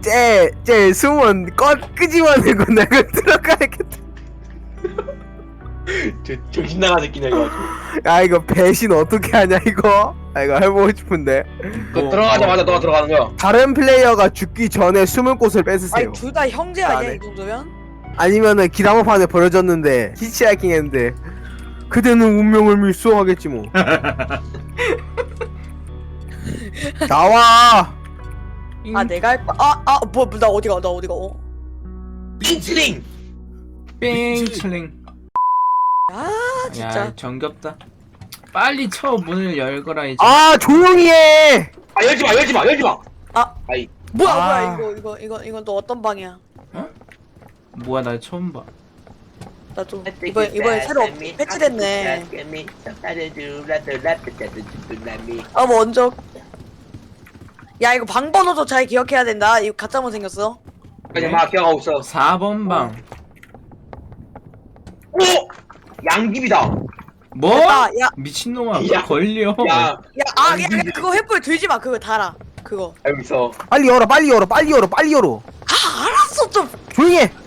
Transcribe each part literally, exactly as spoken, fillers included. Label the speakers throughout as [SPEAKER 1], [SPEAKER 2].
[SPEAKER 1] 쟤, 쟤 숨은 꺼 끄집어내고 내가 들어가야겠다.
[SPEAKER 2] 저 정신 나간 새끼네 이거.
[SPEAKER 1] 야 이거 배신 어떻게 하냐 이거? 아 이거 해보고 싶은데.
[SPEAKER 2] 그
[SPEAKER 3] 뭐,
[SPEAKER 2] 들어가자마자 너가 들어가는 거야.
[SPEAKER 1] 다른 플레이어가 죽기 전에 숨을 곳을 뺏으세요.
[SPEAKER 3] 아니 둘 다 형제
[SPEAKER 1] 아,
[SPEAKER 3] 아니야
[SPEAKER 1] 네.
[SPEAKER 3] 이 정도면?
[SPEAKER 1] 아니면은 기다모판에 버려졌는데 히치하이킹 했는데 그대는 운명을 밀수하겠지 뭐. 나와.
[SPEAKER 3] 아 내가 할 거. 아아뭐 나 어디가 나 어디가? 어?
[SPEAKER 2] 링치링.
[SPEAKER 4] 뺑슬링.
[SPEAKER 3] 아 진짜.
[SPEAKER 4] 야 정겹다. 빨리 쳐 문을 열거라 이제.
[SPEAKER 1] 아 조용히 해.
[SPEAKER 2] 아 열지 마 열지 마 열지 마.
[SPEAKER 3] 아
[SPEAKER 2] 아이
[SPEAKER 3] 뭐야
[SPEAKER 1] 아.
[SPEAKER 3] 뭐야 이거 이거 이거 이건 또 어떤 방이야?
[SPEAKER 4] 뭐야 나 처음 봐.
[SPEAKER 3] 나 좀 이번 이번에 새로 패치됐네. 아 먼저. 야 이거 방 번호도 잘 기억해야 된다. 이거 가짜문 생겼어.
[SPEAKER 2] 그냥 막 기억하고 있어.
[SPEAKER 4] 사 번 방.
[SPEAKER 2] 오! 양귀비다.
[SPEAKER 4] 뭐?
[SPEAKER 3] 야, 야.
[SPEAKER 4] 미친놈아
[SPEAKER 2] 야.
[SPEAKER 4] 걸려.
[SPEAKER 2] 야
[SPEAKER 3] 야, 아, 야, 야, 그거 횃불 들지 마. 그거 달아. 그거.
[SPEAKER 2] 알고 있어.
[SPEAKER 1] 빨리 열어 빨리 열어 빨리 열어 빨리 열어.
[SPEAKER 3] 아, 알았어 좀.
[SPEAKER 1] 조용히 해.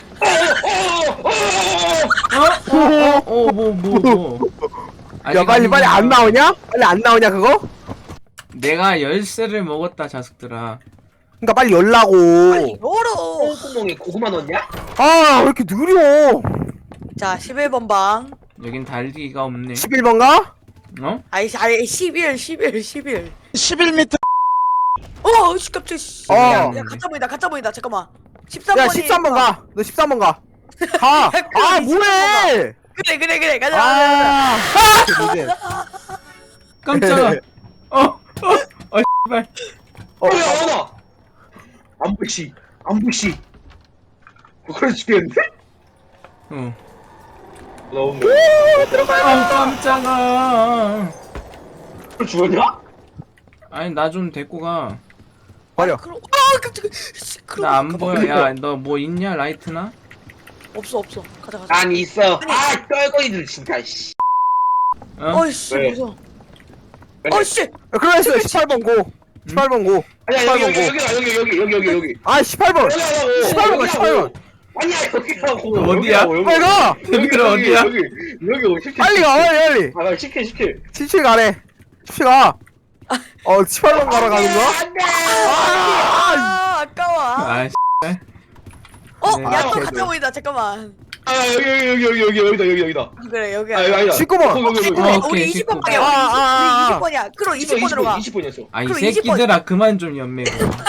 [SPEAKER 4] 어어어뭐뭐 뭐, 뭐.
[SPEAKER 1] 야 빨리 빨리 안 나오냐? 빨리 안 나오냐 그거?
[SPEAKER 4] 내가 열쇠를 먹었다 자식들아.
[SPEAKER 1] 그러니까 빨리 열라고.
[SPEAKER 3] 빨리 열어.
[SPEAKER 2] 똥구멍에 고구마 넣었냐?
[SPEAKER 1] 아 왜 이렇게 느려?
[SPEAKER 3] 자, 십일 번 방.
[SPEAKER 4] 여긴 달리기가 없네.
[SPEAKER 1] 십일 번가?
[SPEAKER 4] 어?
[SPEAKER 3] 아이, 아이, 십일, 십일, 십일.
[SPEAKER 1] 십일 미터.
[SPEAKER 3] 어, 씨, 깜짝이야. 씨.
[SPEAKER 1] 어.
[SPEAKER 3] 야, 야, 가짜 보인다, 가짜 보인다. 잠깐만. 십삼 번이.
[SPEAKER 1] 야 십삼 번 가. 너 십삼 번 가. 가. 아 뭐해?
[SPEAKER 3] 그래, 그래, 그래. 가자, 가자, 가자.
[SPEAKER 1] 아.
[SPEAKER 4] 깜짝아. 어어어 씨발.
[SPEAKER 1] 어,
[SPEAKER 2] 어, 야, 나와. 안부씨, 안부씨. 그걸 죽겠는데?
[SPEAKER 4] 어.
[SPEAKER 2] 너무.
[SPEAKER 4] 아 깜짝아.
[SPEAKER 2] 그걸 죽었냐?
[SPEAKER 4] 아니 나 좀 데리고 가.
[SPEAKER 1] 버려.
[SPEAKER 3] 그럼, 아, 깜짝이야. 씨, 그럼
[SPEAKER 4] 나 안
[SPEAKER 3] 가봐.
[SPEAKER 4] 보여. 야 너 뭐 있냐 라이트나?
[SPEAKER 3] 없어, 없어. 가자, 가자.
[SPEAKER 2] 난 있어. 아, 떨거리들 진짜. 씨.
[SPEAKER 4] 어?
[SPEAKER 3] 어이씨,
[SPEAKER 2] 왜?
[SPEAKER 3] 무서워.
[SPEAKER 2] 그래.
[SPEAKER 3] 어이씨.
[SPEAKER 1] 그래서 십팔 번 고. 십팔 번 고.
[SPEAKER 2] 아니야 여기 여기 여기 여기 여기 여기 여기 여기.
[SPEAKER 1] 아 십팔 번.
[SPEAKER 2] 여기라고.
[SPEAKER 1] 십팔 번 가, 십팔 번.
[SPEAKER 2] 아니야 여기라고.
[SPEAKER 4] 어디야?
[SPEAKER 2] 여기라고, 여기.
[SPEAKER 1] 빨리 가.
[SPEAKER 4] 여기는 어디야?
[SPEAKER 2] 여기 여기 여기 시킬.
[SPEAKER 1] 빨리 가 빨리 빨리.
[SPEAKER 2] 아 시킬 시킬.
[SPEAKER 1] 십칠 가래. 십칠 가. 어 십팔 번 가러 가는 거야?
[SPEAKER 2] 안돼.
[SPEAKER 3] 아, 아까워.
[SPEAKER 4] 아 씨.
[SPEAKER 3] 어,
[SPEAKER 4] 네.
[SPEAKER 3] 야, 또
[SPEAKER 1] 아,
[SPEAKER 3] 가짜 보인다. 잠깐만.
[SPEAKER 2] 아 여기 여기 여기 여기 여기 여기다 여기 여기다.
[SPEAKER 3] 그래, 여기.
[SPEAKER 2] 아 여기 아니다.
[SPEAKER 1] 십구 번.
[SPEAKER 2] 여기 여기 여기.
[SPEAKER 3] 그래,
[SPEAKER 4] 어,
[SPEAKER 3] 우리
[SPEAKER 4] 오케이,
[SPEAKER 3] 이십 번
[SPEAKER 4] 십구
[SPEAKER 3] 방이야.
[SPEAKER 1] 번.
[SPEAKER 3] 우리
[SPEAKER 1] 아, 아, 아.
[SPEAKER 3] 이십 번이야. 그럼 이십 번으로 가.
[SPEAKER 2] 이십 번이었어.
[SPEAKER 4] 아이
[SPEAKER 3] 그럼 이십 번.
[SPEAKER 4] 새끼들아 그만 좀 연매고.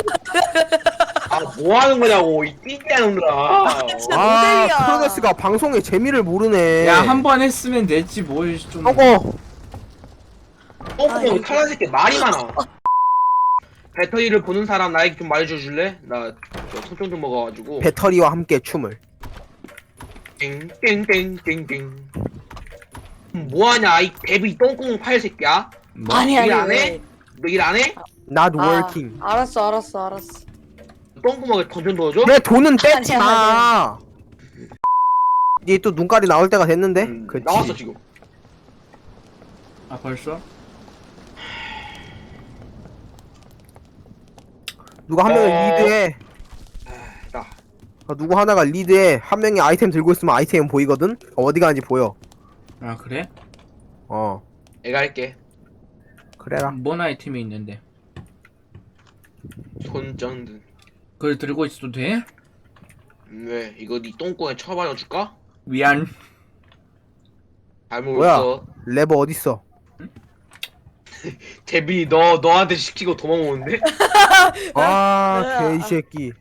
[SPEAKER 2] 아뭐 하는 거냐고 이 띠띠하는 놈들아.
[SPEAKER 3] 진짜
[SPEAKER 1] 아
[SPEAKER 3] 모델이야.
[SPEAKER 1] 크로데스가 방송의 재미를 모르네.
[SPEAKER 4] 야 한 번 했으면 됐지 뭘 좀.
[SPEAKER 1] 하고.
[SPEAKER 2] 똥구멍 탈란 새끼 말이 많아. 배터리를 보는 사람 나에게 좀 말해줘 줄래? 나 손좀 좀 먹어가지고.
[SPEAKER 1] 배터리와 함께 춤을.
[SPEAKER 2] 땡땡땡땡땡. 뭐하냐 이 데뷔 똥구멍 팔 새끼야?
[SPEAKER 4] 뭐?
[SPEAKER 3] 아니, 아니,
[SPEAKER 2] 일 안
[SPEAKER 3] 왜?
[SPEAKER 2] 해? 너 일 안 해?
[SPEAKER 1] Not
[SPEAKER 3] 아,
[SPEAKER 1] working.
[SPEAKER 3] 알았어, 알았어, 알았어.
[SPEAKER 2] 똥구멍에 던전 넣어줘?
[SPEAKER 1] 그래 돈은
[SPEAKER 3] 아니야,
[SPEAKER 1] 뺐잖아. 얘 또 눈깔이 나올 때가 됐는데?
[SPEAKER 2] 음,
[SPEAKER 1] 그치.
[SPEAKER 2] 나왔어 지금.
[SPEAKER 4] 아 벌써?
[SPEAKER 1] 누가 한 명을
[SPEAKER 2] 어.
[SPEAKER 1] 리드해.
[SPEAKER 2] 나.
[SPEAKER 1] 아, 누구 하나가 리드해. 한 명이 아이템 들고 있으면 아이템 보이거든? 어디 가는지 보여.
[SPEAKER 4] 아 그래?
[SPEAKER 1] 어.
[SPEAKER 2] 내가 할게.
[SPEAKER 1] 그래라.
[SPEAKER 4] 뭔 아이템이 있는데?
[SPEAKER 2] 손전등.
[SPEAKER 4] 그걸 들고 있어도 돼?
[SPEAKER 2] 음, 왜 이거 네 똥구멍에 쳐박아 줄까?
[SPEAKER 4] 미안.
[SPEAKER 2] 잘못
[SPEAKER 1] 뭐야?
[SPEAKER 2] 있어.
[SPEAKER 1] 레버 어딨어?
[SPEAKER 2] 데뷔 너 너한테 시키고 도망오는데?
[SPEAKER 1] 아, 개새끼.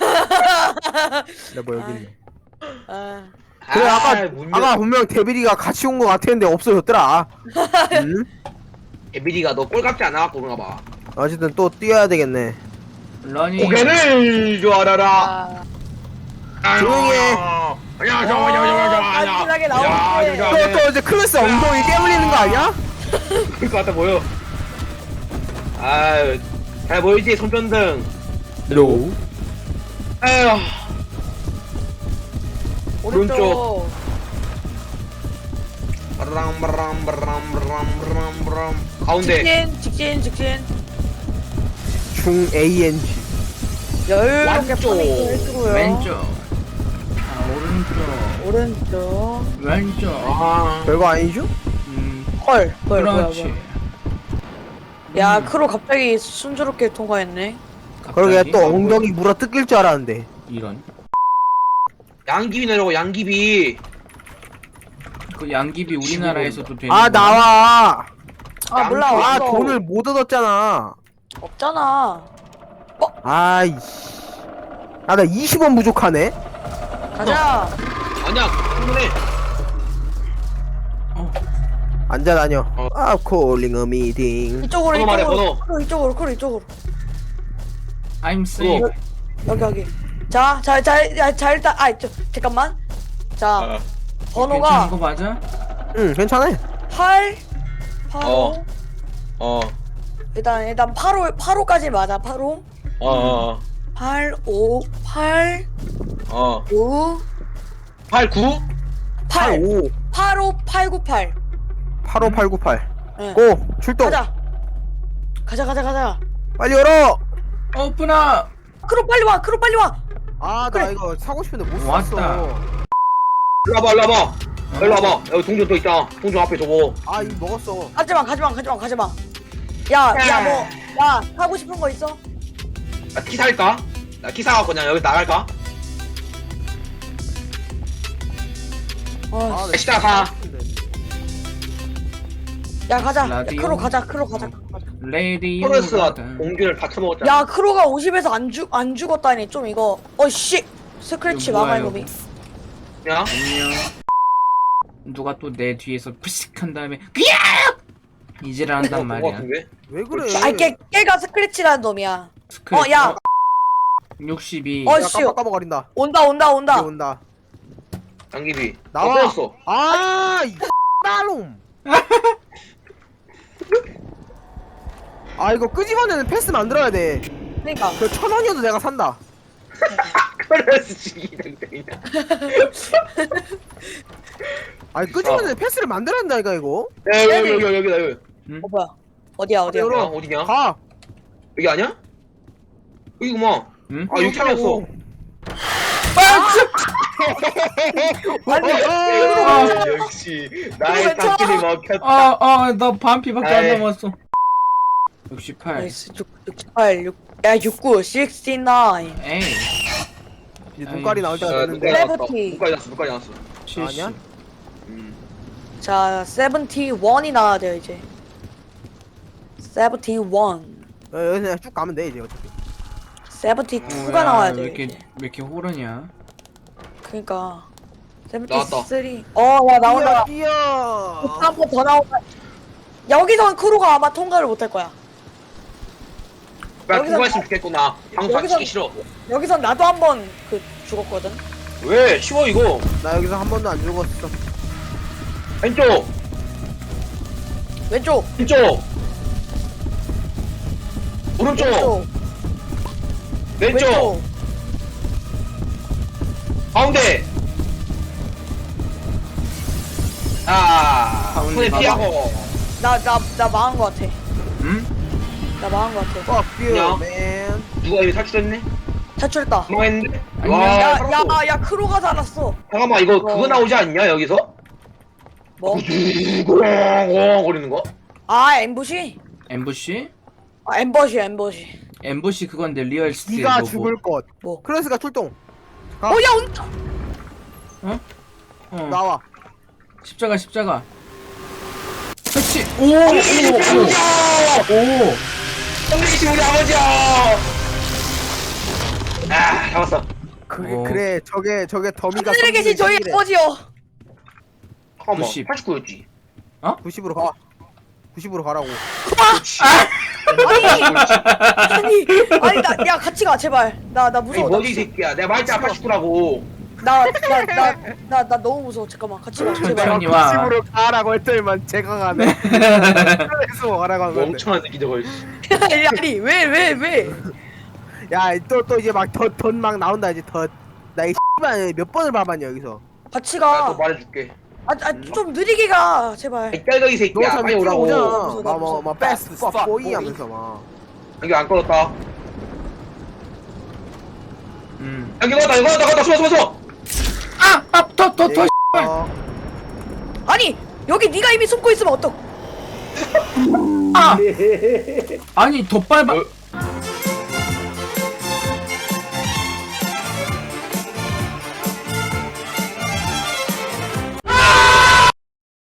[SPEAKER 1] 레버 여기 있네.
[SPEAKER 3] 아,
[SPEAKER 1] 그래, 아까,
[SPEAKER 2] 문제-
[SPEAKER 1] 아까 분명 데빌이가 같이 온 거 같았는데 없어졌더라. 응?
[SPEAKER 2] 데뷔가 너 꼴값지 않아갖고 그런가 봐.
[SPEAKER 1] 어쨌든 또 뛰어야 되겠네.
[SPEAKER 4] 러닝.
[SPEAKER 2] 고개를 좋아라라.
[SPEAKER 3] 아,
[SPEAKER 1] 조용히 해.
[SPEAKER 2] 안녕,
[SPEAKER 3] 어, 간지나게 나오는데.
[SPEAKER 1] 또, 또 이제 클래스 엉덩이 깨물리는 거 아니야?
[SPEAKER 2] 그럴 것 같아 보여. 아유, 잘 보이지 손전등.
[SPEAKER 1] 노.
[SPEAKER 2] 아유,
[SPEAKER 3] 오른쪽.
[SPEAKER 2] 바람 바람 바람 바람 바람 바람. 가운데.
[SPEAKER 3] 직진, 직진, 직진.
[SPEAKER 1] 중 에이엔지.
[SPEAKER 3] 여유롭게
[SPEAKER 2] 왼쪽.
[SPEAKER 3] 파밍 좀 해주고요.
[SPEAKER 4] 왼쪽. 아, 오른쪽.
[SPEAKER 3] 오른쪽.
[SPEAKER 4] 왼쪽.
[SPEAKER 2] 아
[SPEAKER 1] 별거 아니죠?
[SPEAKER 4] 음,
[SPEAKER 3] 헐, 뭐야, 뭐야,
[SPEAKER 4] 그렇지.
[SPEAKER 3] 뭐야. 야,
[SPEAKER 4] 음,
[SPEAKER 3] 크로 갑자기 순조롭게 통과했네.
[SPEAKER 1] 그러게
[SPEAKER 4] 갑자기?
[SPEAKER 1] 또 엉덩이 물어 뜯길 줄 알았는데.
[SPEAKER 4] 이런.
[SPEAKER 2] 양귀비 내려고 양귀비.
[SPEAKER 4] 그 양귀비 우리나라에서도 되는
[SPEAKER 1] 아
[SPEAKER 4] 거야?
[SPEAKER 1] 나와.
[SPEAKER 3] 아, 몰라.
[SPEAKER 1] 아
[SPEAKER 3] 없어.
[SPEAKER 1] 돈을 못 얻었잖아.
[SPEAKER 3] 없잖아.
[SPEAKER 1] 아이씨. 아 나 이십 원 부족하네.
[SPEAKER 3] 가자.
[SPEAKER 2] 아니야 충분해.
[SPEAKER 4] 어,
[SPEAKER 1] 앉아 다녀.
[SPEAKER 2] 어.
[SPEAKER 1] 아 콜링 어 미팅.
[SPEAKER 3] 이쪽으로,
[SPEAKER 2] 번호 말해,
[SPEAKER 3] 이쪽으로.
[SPEAKER 2] 번호.
[SPEAKER 3] 크로, 이쪽으로, 크로, 이쪽으로.
[SPEAKER 4] I'm safe.
[SPEAKER 2] 어.
[SPEAKER 3] 여기, 여기. 자, 자, 자, 자, 자 일단, 아, 저, 잠깐만. 자,
[SPEAKER 2] 아,
[SPEAKER 3] 번호가
[SPEAKER 4] 괜찮은 거 맞아?
[SPEAKER 1] 응 괜찮아.
[SPEAKER 3] 팔, 팔,
[SPEAKER 2] 어. 어.
[SPEAKER 3] 일단, 일단 팔 호, 팔 호까지 맞아, 팔 호.
[SPEAKER 2] 어. 어.
[SPEAKER 3] 팔, 오, 팔,
[SPEAKER 2] 어.
[SPEAKER 3] 오,
[SPEAKER 2] 팔 구?
[SPEAKER 3] 팔,
[SPEAKER 1] 팔오
[SPEAKER 3] 팔 오, 팔 구 팔.
[SPEAKER 1] 팔오 팔구팔.
[SPEAKER 3] 응.
[SPEAKER 1] 고 출동.
[SPEAKER 3] 가자. 가자, 가자, 가자.
[SPEAKER 1] 빨리 열어.
[SPEAKER 4] 오픈아!
[SPEAKER 3] 크로 빨리 와, 크로 빨리 와.
[SPEAKER 1] 아 나
[SPEAKER 3] 그래.
[SPEAKER 1] 이거 사고 싶은데 못
[SPEAKER 4] 왔다.
[SPEAKER 1] 샀어.
[SPEAKER 2] 일로 와봐 일로 와봐. 일로 와봐. 여기 동전 또 있다. 동전 앞에 저거.
[SPEAKER 1] 아 이거 먹었어.
[SPEAKER 3] 가지마, 가지마, 가지마, 가지마. 야, 야, 뭐, 야, 하고 싶은 거 있어?
[SPEAKER 2] 나 키 살까? 나 키 사갖고 그냥 여기 나갈까?
[SPEAKER 3] 어,
[SPEAKER 1] 아, 나
[SPEAKER 2] 시작 가.
[SPEAKER 3] 야, 가자. 야,
[SPEAKER 4] 라디오.
[SPEAKER 3] 크로 가자, 크로 가자. 가자.
[SPEAKER 4] 레디오.
[SPEAKER 2] 토레스가 공균을 다 처먹었잖아.
[SPEAKER 3] 야, 크로가 오십에서 안 죽, 안 죽었다니 좀 이거. 어, 씨. 스크래치
[SPEAKER 4] 이거 뭐야,
[SPEAKER 3] 막아 이놈이.
[SPEAKER 2] 야.
[SPEAKER 4] 안녕. 누가 또 내 뒤에서 푸식한 다음에 그야! 이지를 한단
[SPEAKER 2] 그거
[SPEAKER 4] 말이야.
[SPEAKER 2] 같은데?
[SPEAKER 1] 왜 그래?
[SPEAKER 3] 아, 걔, 걔가 스크래치라는 놈이야.
[SPEAKER 4] 스크래치.
[SPEAKER 3] 어, 야.
[SPEAKER 4] 육십이.
[SPEAKER 3] 어,
[SPEAKER 1] 야
[SPEAKER 3] 씨.
[SPEAKER 1] 깜빡 까먹어린다.
[SPEAKER 3] 온다, 온다, 온다.
[SPEAKER 1] 이제 온다.
[SPEAKER 2] 양귀비.
[SPEAKER 1] 나와.
[SPEAKER 2] 없어졌어.
[SPEAKER 1] 아이 나놈. 아 이거 끄집어내는 패스 만들어야 돼.
[SPEAKER 3] 그러니까.
[SPEAKER 1] 그 천 원이어도 내가 산다.
[SPEAKER 2] 토레스 지기당당이야.
[SPEAKER 1] 아니 끄집어내는 패스를 만들어야 된다니까 이거.
[SPEAKER 2] 야 여기 여기 여기 여기다 여기.
[SPEAKER 3] 어, 뭐야. 어디야, 어디야.
[SPEAKER 1] 열어.
[SPEAKER 2] 야 어디냐?
[SPEAKER 1] 가.
[SPEAKER 2] 여기 아니야? 여기구만.
[SPEAKER 4] 응?
[SPEAKER 2] 아 여기 찾았어.
[SPEAKER 3] 아니,
[SPEAKER 2] 아, 역시 나의
[SPEAKER 3] 괜찮아.
[SPEAKER 2] 닭길이 먹혔다.
[SPEAKER 4] 아, 아, 나 반피밖에 안
[SPEAKER 2] 아이.
[SPEAKER 4] 남았어. 육십팔.
[SPEAKER 3] 나이스. 육, 육십팔, 육, 야, 육십구, 육십구.
[SPEAKER 4] 에이.
[SPEAKER 1] 이제 눈깔이 나올 때가
[SPEAKER 2] 야,
[SPEAKER 1] 됐는데.
[SPEAKER 2] 눈깔이 나왔다.
[SPEAKER 3] 세븐티.
[SPEAKER 2] 눈깔이 났어. 눈깔이 났어.
[SPEAKER 4] 칠십.
[SPEAKER 1] 아니야?
[SPEAKER 2] 음.
[SPEAKER 3] 자, 칠십일이 나와야 돼요, 이제. 칠십일.
[SPEAKER 1] 어, 여기 그냥 쭉 가면 돼 이제 어차피.
[SPEAKER 3] 칠십이가
[SPEAKER 4] 어, 야,
[SPEAKER 3] 나와야
[SPEAKER 4] 왜
[SPEAKER 3] 돼.
[SPEAKER 4] 이렇게
[SPEAKER 3] 이제.
[SPEAKER 4] 왜 이렇게 호르냐?
[SPEAKER 3] 그니까.
[SPEAKER 2] 나왔다.
[SPEAKER 3] 칠십삼. 어, 야, 나온다.
[SPEAKER 1] 뛰어.
[SPEAKER 3] 한 번 더 나온다. 여기선 크루가 아마 통과를 못 할 거야.
[SPEAKER 2] 나
[SPEAKER 3] 여기서
[SPEAKER 2] 통과했으면 좋겠구나. 방송 안
[SPEAKER 3] 여기서-
[SPEAKER 2] 치기 싫어.
[SPEAKER 3] 여기선 나도 한 번 그 죽었거든.
[SPEAKER 2] 왜? 쉬워 이거.
[SPEAKER 1] 나 여기서 한 번도 안 죽었어.
[SPEAKER 2] 왼쪽.
[SPEAKER 3] 왼쪽.
[SPEAKER 2] 왼쪽. 오른쪽. 왼쪽. 가운데. 아,
[SPEAKER 4] 가운데
[SPEAKER 2] 손에
[SPEAKER 4] 봐봐.
[SPEAKER 2] 피하고.
[SPEAKER 3] 나, 나, 나 망한 거 같아.
[SPEAKER 4] 응?
[SPEAKER 3] 나 망한 거 같아.
[SPEAKER 1] Fuck you,
[SPEAKER 2] 야.
[SPEAKER 1] man.
[SPEAKER 2] 누가 여기 탈출했네?
[SPEAKER 3] 탈출했다.
[SPEAKER 2] 망했는데?
[SPEAKER 4] 안녕.
[SPEAKER 2] 와,
[SPEAKER 3] 야,
[SPEAKER 2] 살았어.
[SPEAKER 3] 야, 야, 크루가 살았어.
[SPEAKER 2] 잠깐만 이거
[SPEAKER 3] 어.
[SPEAKER 2] 그거 나오지 않냐 여기서?
[SPEAKER 3] 뭐?
[SPEAKER 2] 구렁구렁 거리는 거?
[SPEAKER 3] 아, 엠부시?
[SPEAKER 4] 엠부시?
[SPEAKER 3] 아, 엠버시, 엠버시.
[SPEAKER 4] 엠부시 그건데 리얼 스틸
[SPEAKER 1] 네가
[SPEAKER 4] 로고.
[SPEAKER 1] 죽을 것.
[SPEAKER 3] 뭐?
[SPEAKER 1] 클래스가 출동.
[SPEAKER 3] 어, 야, 온다.
[SPEAKER 4] 어.
[SPEAKER 1] 나와.
[SPEAKER 4] 십자가 십자가. 그렇지. 오! 오! 오! 오!
[SPEAKER 2] 형님이시 우리 아버지야! 아 잡았어.
[SPEAKER 1] 그게
[SPEAKER 4] 어.
[SPEAKER 1] 그래 저게 저게 더미가.
[SPEAKER 3] 하늘에 계신 저희 아버지요.
[SPEAKER 2] 잠깐만
[SPEAKER 4] 구십.
[SPEAKER 2] 팔십구였지.
[SPEAKER 1] 구십으로 가. 구십으로 가라고.
[SPEAKER 2] 그렇지.
[SPEAKER 3] 아니, 아니, 아니, 나, 야, 같이 가, 제발. 나, 나
[SPEAKER 2] 아니
[SPEAKER 3] 무서워. 나,
[SPEAKER 2] 뭐지 이 새끼야. 내가 말했잖아 팔십구라고.
[SPEAKER 3] 나, 나, 나, 나, 나 너무 무서워. 잠깐만, 같이 가, 제발.
[SPEAKER 4] 천천히 와.
[SPEAKER 1] 구십으로 가라고 했더니만 제가 가네. 클래스로 가라고 한 건데.
[SPEAKER 2] 멍청한 새끼 저거.
[SPEAKER 3] 아니, 아니, 왜, 왜, 왜?
[SPEAKER 1] 야또 또 이제 막 더 돈 막 나온다 이제 더. 나이 씨발 몇 번을 봐봤냐 여기서.
[SPEAKER 3] 같이
[SPEAKER 2] 내가
[SPEAKER 3] 가.
[SPEAKER 2] 또 말해줄게.
[SPEAKER 3] 아, 아, 좀 느리게 가, 제발.
[SPEAKER 2] 이 딸거이
[SPEAKER 1] 너
[SPEAKER 2] 새끼야.
[SPEAKER 1] 참
[SPEAKER 2] 빨리
[SPEAKER 1] 일찍
[SPEAKER 2] 오라고.
[SPEAKER 1] 오잖아.
[SPEAKER 3] 무서워, 나
[SPEAKER 1] 막뭐
[SPEAKER 3] 무서워.
[SPEAKER 1] 막 베스트
[SPEAKER 3] fuck
[SPEAKER 1] 퍽 보이
[SPEAKER 3] boy.
[SPEAKER 1] 하면서 막.
[SPEAKER 2] 이게 안 꺼졌다.
[SPEAKER 1] 음.
[SPEAKER 2] 여기 나갔다 여기 나갔다 나갔다 숨어 숨어 숨어.
[SPEAKER 4] 아아더더더
[SPEAKER 1] 네. 어,
[SPEAKER 3] 아니 여기 네가 이미 숨고 있으면 어떡?
[SPEAKER 4] 아! 아니 더 빨리
[SPEAKER 2] 어,